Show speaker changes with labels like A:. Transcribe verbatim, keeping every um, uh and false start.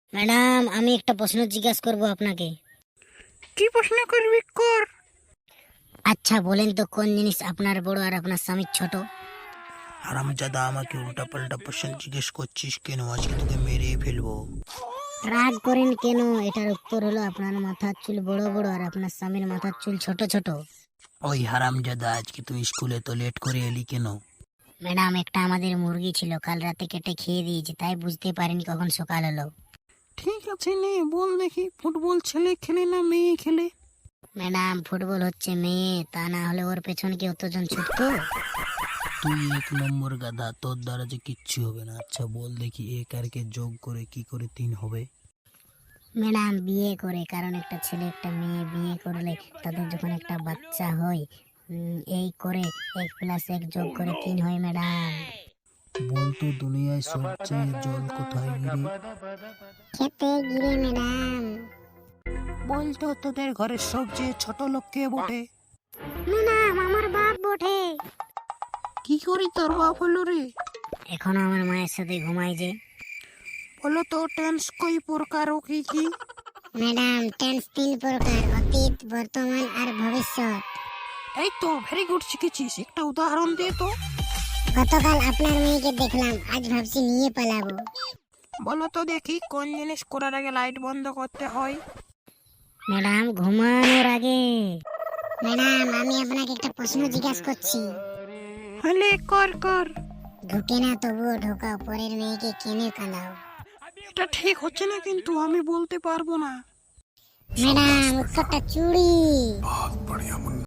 A: Madam, আমি একটা প্রশ্ন জিজ্ঞাসা করব আপনাকে।
B: কি প্রশ্ন করবি কর।
A: আচ্ছা বলেন তো, কোন জিনিস আপনার বড় আর আপনার স্বামীর ছোট?
B: হারামজাদা, আমাকে উল্টা পাল্টা প্রশ্ন জিজ্ঞেস করছিস কেন? আজকে তোকে মেরে ফেলবো।
A: রাগ করেন কেন? এটার উত্তর হলো আপনার মাথার চুল বড় বড় আর আপনার স্বামীর মাথার চুল ছোট ছোট।
B: ওই হারামজাদা, আজকে তুই স্কুলে তো লেট করে এলি কেন?
A: ম্যাডাম, একটা আমাদের মুরগি ছিল, কাল রাতে কেটে খেয়ে দিয়েছি, তাই বুঝতে পারিনি কখন সকাল হলো।
B: ঠিক আছে, নে বল দেখি, ফুটবল ছেলে খেলে না মেয়ে খেলে?
A: ম্যাডাম, ফুটবল হচ্ছে মেয়ে, তা না হলে ওর পেছনে কি অতজন ছুটতো?
B: তুই এক নম্বর গাধা, তোর দ্বারা যে কিচ্ছু হবে না। আচ্ছা বল দেখি, এক আর কে যোগ করে কি করে তিন হবে?
A: ম্যাডাম, বিয়ে করে, কারণ একটা ছেলে একটা মেয়ে বিয়ে করলে তাদের যখন একটা বাচ্চা হয়, উম, এই করে এক প্লাস এক যোগ করে তিন হয় ম্যাডাম।
B: বলতো দুনিয়ায় সবচেয়ে জল কোথায় গিরে?
A: খেতে গিরে ম্যাডাম।
B: বলতো তোদের ঘরের সবচেয়ে ছোট লোক কে বটে?
A: ম্যাডাম, আমার বাপ বটে।
B: কি করি তোর বাপ হলো রে?
A: এখন আমার মায়ের সাথে ঘুমাই যে।
B: বলো তো টেন্স কই প্রকার ও কি কি?
A: ম্যাডাম, টেন্স তিন প্রকার: অতীত, বর্তমান আর ভবিষ্যৎ।
B: এই তো ভেরি গুড, শিখেছিস। একটা উদাহরণ দে তো।
A: গতকাল আপনার মেয়েকে দেখলাম, আজ ভাবছি নিয়ে পালাবো।
B: বলো তো দেখি, কোন জিনিস করার আগে লাইট বন্ধ করতে হয়?
A: ম্যাডাম, ঘুমানোর আগে। ম্যাডাম, আমি আপনাকে একটা প্রশ্ন জিজ্ঞাসা করছি।
B: হলে কর কর।
A: ঢুকে না তবুও ঢোকাও, পরের মেয়েকে কেনে কাঁদাও?
B: এটা ঠিক হচ্ছে না, কিন্তু আমি বলতে পারবো না।
A: ম্যাডাম, উত্তরটা চুড়ি।